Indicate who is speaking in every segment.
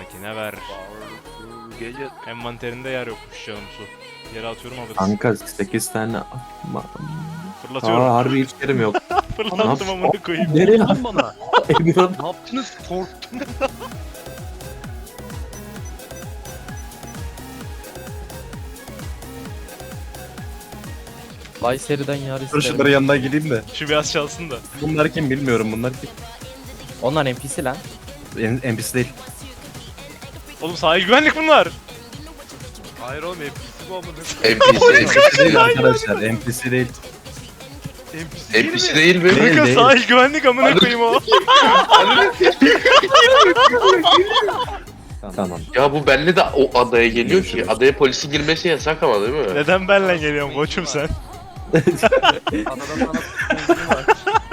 Speaker 1: Sakine ver.
Speaker 2: Gece
Speaker 1: Envanterinde yer yokmuş canım su. Yere atıyorum alırız.
Speaker 3: Kanka 8 tane...
Speaker 1: Fırlatıyorum.
Speaker 3: harbi hiç yerim yok.
Speaker 1: Fırlattım amına koyayım.
Speaker 3: Nereye
Speaker 2: lan bana.
Speaker 3: Emirhan?
Speaker 2: Ne yaptınız? Korktum.
Speaker 4: Kayseri'den yar
Speaker 5: Dur
Speaker 4: isterim.
Speaker 5: şunların yanına gideyim de.
Speaker 1: Şu biraz çalsın da.
Speaker 5: Bunlar kim bilmiyorum, bunlar kim?
Speaker 4: Onlar NPC lan.
Speaker 5: NPC değil.
Speaker 1: Oğlum sahil güvenlik bunlar.
Speaker 2: Hayır oğlum NPC bu amına.
Speaker 5: NPC değil arkadaşlar, NPC değil.
Speaker 6: NPC değil mi?
Speaker 3: Değil,
Speaker 1: Kanka
Speaker 3: değil.
Speaker 1: sahil güvenlik amına koyayım o.
Speaker 3: Tamam.
Speaker 6: Ya bu belli de o adaya geliyor ki. Adaya polisin girmesi yasak ama değil mi?
Speaker 1: Neden benle geliyorsun koçum sen?
Speaker 2: Adada sana futbolcu var.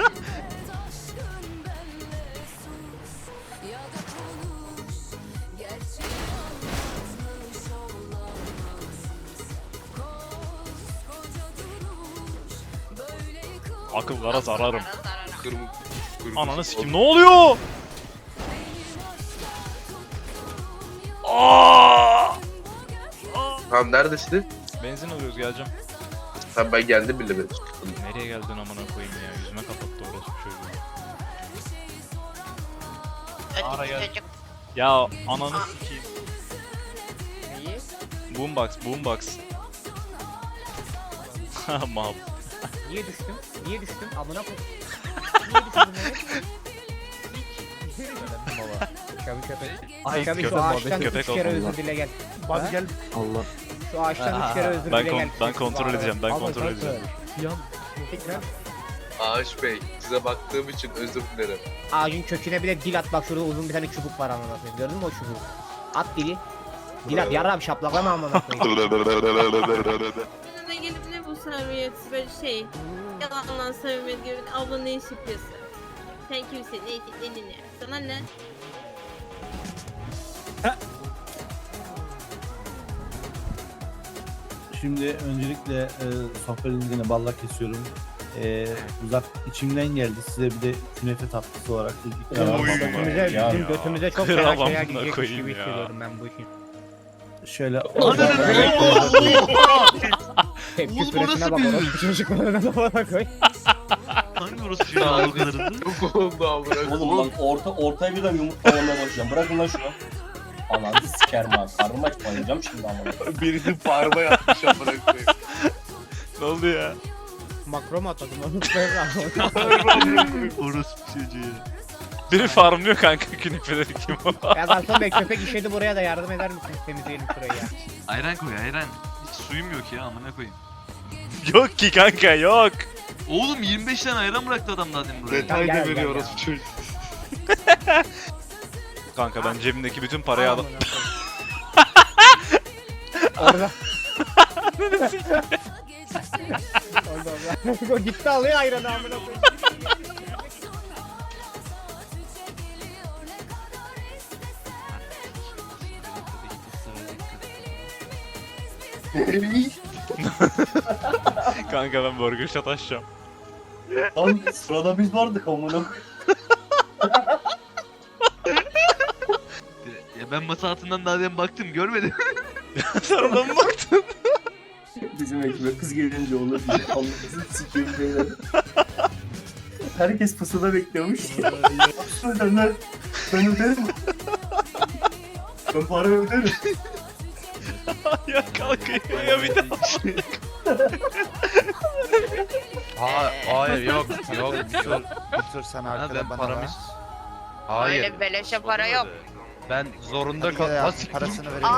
Speaker 1: Akıllara zararım.
Speaker 6: Kırmızı.
Speaker 1: Ananı sikim ne oluyor? Aa!
Speaker 6: Tamam neredesin?
Speaker 1: Benzin alıyoruz geleceğim.
Speaker 6: Tamam ben geldim bile ben.
Speaker 1: Nereye geldin amına koyayım ya? Yüzüme kapattı orası çocuğu. Ara gel. Ya ananı sikeyim.
Speaker 4: Neyi?
Speaker 1: Boombox. Ha mal.
Speaker 4: Niye düştüm? Niye düştüm? Amına koy. Niye düştüm? Baba. Köpek köpek.
Speaker 1: Ay,
Speaker 4: Köpek şu
Speaker 1: köpek
Speaker 4: ağaçtan
Speaker 1: muhabbeti,
Speaker 4: 3
Speaker 1: köpek
Speaker 4: kere
Speaker 1: oldu.
Speaker 4: özür dile gel.
Speaker 2: Hadi gel.
Speaker 3: Allah.
Speaker 4: Şu ağaçtan 3 kere özür dile gel.
Speaker 1: Ben kontrol edeceğim. Ben
Speaker 4: Ama
Speaker 1: kontrol
Speaker 4: kanka,
Speaker 1: edeceğim.
Speaker 4: Yan. Tekrar.
Speaker 6: Ağaç Bey size baktığım için özür dilerim.
Speaker 4: Ağacın köküne bir de dil at, bak şurada uzun bir tane çubuk var amına koyayım. Gördün mü o çubuğu? At dili. Dil at, yarrağım şaplaklama amına koyayım.
Speaker 7: Bana gelip ne bu samimiyet böyle şey yalandan samimiyet gibi abla ne iş yapıyorsun? Sen kimsin? Ne? Sana ne?
Speaker 8: Şimdi öncelikle sohbetinizi yine balla kesiyorum. Uzak içimden geldi, size bir de künefe tatlısı olarak ikram
Speaker 1: Oy.
Speaker 8: etmek.
Speaker 4: Götümüze,
Speaker 1: Ya.
Speaker 4: bizim götümüze çok
Speaker 1: Kral
Speaker 4: fena
Speaker 1: amına
Speaker 4: şeyler gidecekmiş
Speaker 1: koyayım
Speaker 4: gibi
Speaker 1: ya.
Speaker 4: hissediyorum ben bu işin.
Speaker 8: Şöyle
Speaker 4: Tepki
Speaker 2: Oğlum,
Speaker 4: süresine
Speaker 2: orası
Speaker 4: bak,
Speaker 2: büyük.
Speaker 4: orası çocuklarına da bana koy.
Speaker 2: Hangi orası şu an o kadar hızlı?
Speaker 6: Çok oldu amına.
Speaker 9: Oğlum lan ortaya birden yumurtlamaya başlayacağım. Bırakın lan şunu. Ananı sikerim abi. Karnım aç bayılacağım şimdi amına.
Speaker 6: Birisi parma yapmış amına koyayım.
Speaker 1: Ne oldu ya?
Speaker 4: Makro mu atadım onu? Ben
Speaker 2: Orası çocuğu.
Speaker 1: Biri farmlıyor kanka künefeleri kim o?
Speaker 4: Ya garson bey, köpek işedi, buraya da yardım eder misiniz, temizleyelim şurayı ya.
Speaker 2: Ayran koy ayran. Hiç suyum yok ya amına koyayım.
Speaker 1: Yok ki kanka yok.
Speaker 2: Oğlum 25 tane ayran bıraktı adam zaten buraya.
Speaker 4: Tamam, gel, gel, gel.
Speaker 6: çocuk.
Speaker 1: Kanka ben cebimdeki bütün parayı alıp
Speaker 4: Orada. Orada. O gitti alıyor ayranı amına koyayım.
Speaker 1: kanka ben burger shot açacağım.
Speaker 9: Lan sırada biz vardık amına.
Speaker 2: Ya ben masa altından daha demin baktım görmedim.
Speaker 1: Sen oradan mı baktın?
Speaker 9: Bizim ekibe kız gelince olur diye. Allah'ını sikeyim beyler. Herkes pusuda bekliyormuş. Söylerler. Ben öderim. Ben para öderim.
Speaker 1: ya kalkıyor ya bir daha.
Speaker 10: Hayır yok Bitir sen
Speaker 2: Ha,
Speaker 10: arkada
Speaker 2: ben
Speaker 10: bana
Speaker 2: paramı...
Speaker 10: ver.
Speaker 7: Öyle
Speaker 10: Hayır.
Speaker 7: beleşe para yok.
Speaker 10: Ben zorunda kal. Nasıl parasını vereyim?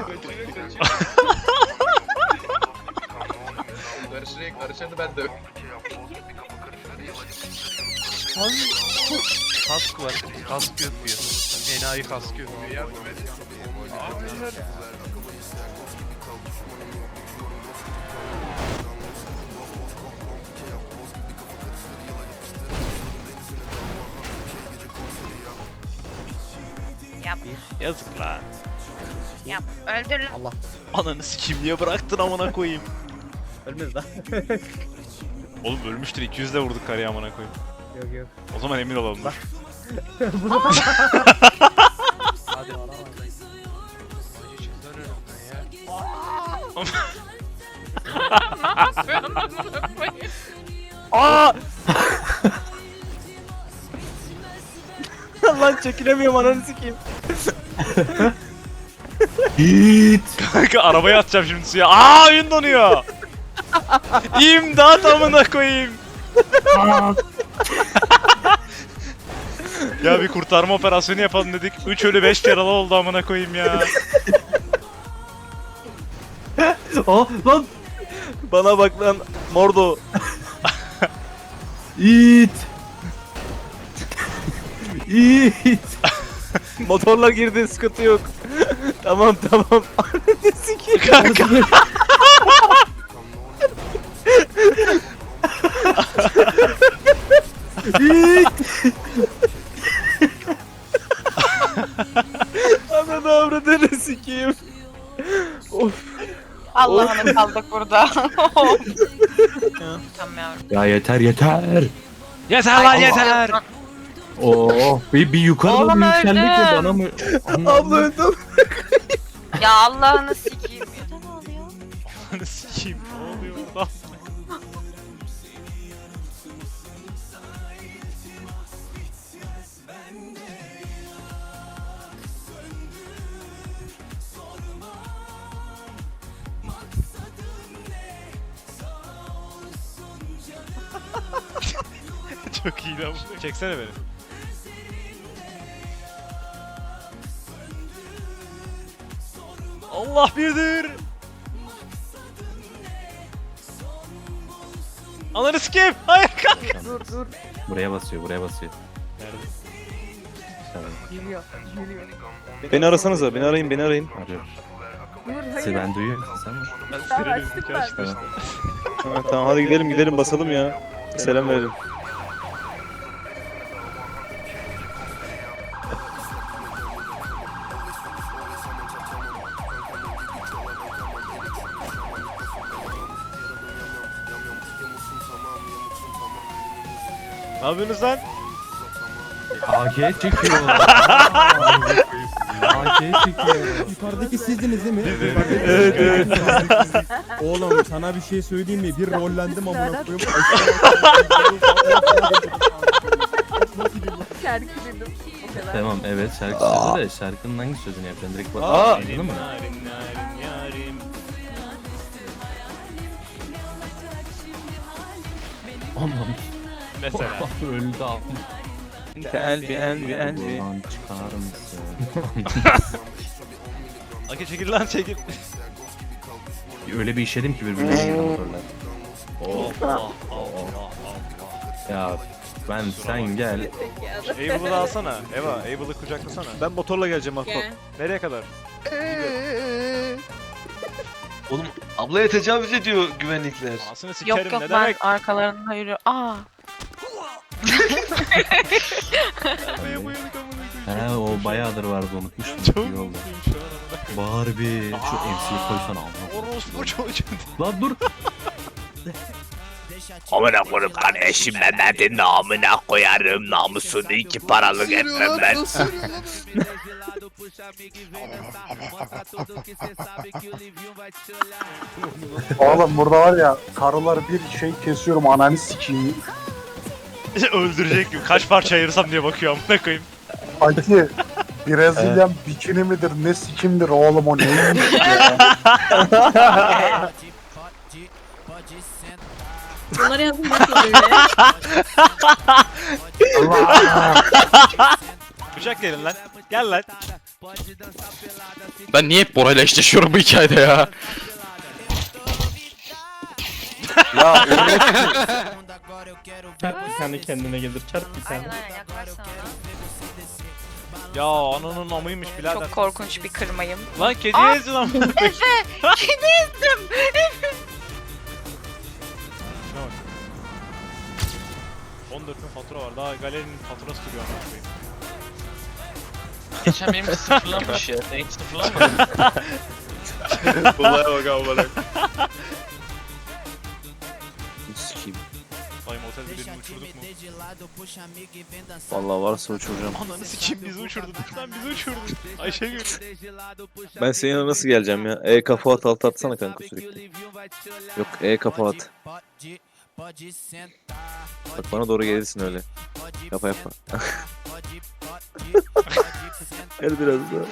Speaker 6: Karışanı ben de.
Speaker 10: Kask var. Kask yapıyor. Enayi kask yapıyor.
Speaker 7: Yap
Speaker 1: Yazık lan.
Speaker 7: yap öldür lan.
Speaker 4: Allah.
Speaker 1: Ananı sikeyim niye bıraktın amına koyayım.
Speaker 4: Ölmez lan.
Speaker 1: Oğlum ölmüştür 200 de vurduk karıya amına koyayım.
Speaker 4: Yok yok.
Speaker 1: O zaman emin olalım.
Speaker 4: Bunu
Speaker 10: Hadi.
Speaker 1: Aa!
Speaker 4: Lan çekilemiyorum ananı sikeyim.
Speaker 5: Git.
Speaker 1: Kanka arabayı atacağım şimdi suya. Aa oyun donuyor. İmdat amına koyayım. Ya bir kurtarma operasyonu yapalım dedik. 3 ölü 5 yaralı oldu amına koyayım ya.
Speaker 5: Aa lan.
Speaker 4: Bana bak lan Mordo.
Speaker 5: It. It.
Speaker 4: Motorlar girdi sıkıntı yok. Tamam. Ananı sikeyim.
Speaker 1: Kanka.
Speaker 4: Ananı avradını sikeyim.
Speaker 7: Allah'ını kaldık burada. Tamam yavrum.
Speaker 5: Ya yeter.
Speaker 1: Yeter lan yeter.
Speaker 5: Oh bir yukarı doğru
Speaker 7: Oğlum
Speaker 5: yükseldik de
Speaker 7: öldüm.
Speaker 5: bana mı?
Speaker 4: Abla öldüm.
Speaker 7: Ya Allah'ını sikeyim. Ne oluyor?
Speaker 1: Ananı sikeyim. Ne oluyor lan? Çok iyi lan bu. Çeksene beni. Allah birdir. Ananı sikeyim. Hayır kanka.
Speaker 5: Buraya basıyor.
Speaker 1: Nerede?
Speaker 4: Beni arasanıza, beni arayın.
Speaker 5: Arıyor. Sizi ben duyuyorum. Sen mi?
Speaker 1: Ben sireni bizimki açtı işte.
Speaker 4: Tamam hadi gidelim basalım ya. Selam verelim.
Speaker 1: Ne yapıyorsunuz lan?
Speaker 5: AK çekiyor. AK çekiyor.
Speaker 11: Yukarıdaki sizdiniz değil mi?
Speaker 1: Evet.
Speaker 11: Oğlum sana bir şey söyleyeyim mi? Bir rollendim amına koyayım.
Speaker 7: Şarkı dedim. O kadar.
Speaker 5: Tamam evet şarkı söyledi de şarkının hangi sözünü yapacaksın? Direkt bak. Anladın mı?
Speaker 1: Yarim.
Speaker 5: Anlam.
Speaker 1: Mesela.
Speaker 5: Öldü abi.
Speaker 4: Elbi.
Speaker 5: Buradan çıkar mısın?
Speaker 1: Aki çekil lan çekil.
Speaker 5: Öyle bir işledim ki birbirine girdi motorlar.
Speaker 1: Allah.
Speaker 5: Ya ben sen gel.
Speaker 1: Abel'ı alsana. Eva, Abel'ı kucaklasana.
Speaker 4: Ben motorla geleceğim Akko.
Speaker 7: Gel.
Speaker 1: Nereye kadar?
Speaker 2: Oğlum ablaya tecavüz ediyor güvenlikler.
Speaker 1: Anasını sikerim
Speaker 7: Yok yok
Speaker 1: ne
Speaker 7: ben
Speaker 1: demek?
Speaker 7: arkalarında yürüyor. Aa.
Speaker 1: Arabaya bayıldık amına
Speaker 5: He o bayağıdır vardı unutmuştum.
Speaker 1: Çok
Speaker 5: İyi oldu.
Speaker 1: mutluyum şu an.
Speaker 5: Barbie. Şu MC'yi koysana amına.
Speaker 1: Orospu çocuğu.
Speaker 5: Lan dur.
Speaker 6: Amına koyayım kardeşim Mehmet'in namına koyarım namusunu 2 paralık etmem ben.
Speaker 11: Oğlum burada var ya karılar bir şey kesiyorum ananı sikeyim.
Speaker 1: Öldürecek gibi. Kaç parça ayırsam diye bakıyor amına koyayım.
Speaker 11: Aki Brezilyan bikini midir ne sikimdir oğlum o neymiş ya.
Speaker 7: Bunları yazın bakayım böyle.
Speaker 1: Bıçak gelin lan. Gel lan.
Speaker 6: Ben niye hep Bora'yla eşleşiyorum bu hikayede ya?
Speaker 11: Ya
Speaker 8: Bir tane kendine gelir çarp bir tane.
Speaker 7: Aynen yaklaşsana.
Speaker 1: Ya ananın amıymış birader.
Speaker 7: Çok korkunç bir kırmayım.
Speaker 1: Lan kediye ezdi lan.
Speaker 7: Efe! Kedi ezdim!
Speaker 1: 14 bin fatura var. Daha galerinin faturası duruyor amına koyayım.
Speaker 2: Geçen benim sıfırlanmış ya. Sen hiç sıfırlanmadın.
Speaker 1: Olaya bak amına.
Speaker 3: Sikeyim.
Speaker 1: Bayım otelde birini uçurduk mu?
Speaker 5: Vallahi varsa uçuracağım.
Speaker 1: Ananı sikeyim bizi uçurdu. Lan bizi uçurdu. Ayşegül.
Speaker 5: Ben senin yanına nasıl geleceğim ya? Kafa at alt atsana kanka sürekli. Yok kafa at. Bak bana doğru gelirsin öyle. Yapma. Gel biraz daha.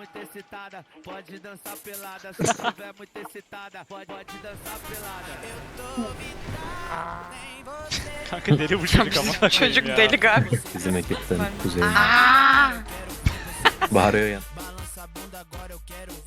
Speaker 1: Kanka deli bu çocuk ama.
Speaker 12: Çocuk deli galiba.
Speaker 5: Bizim ekipten kuzey. Bağırıyor ya.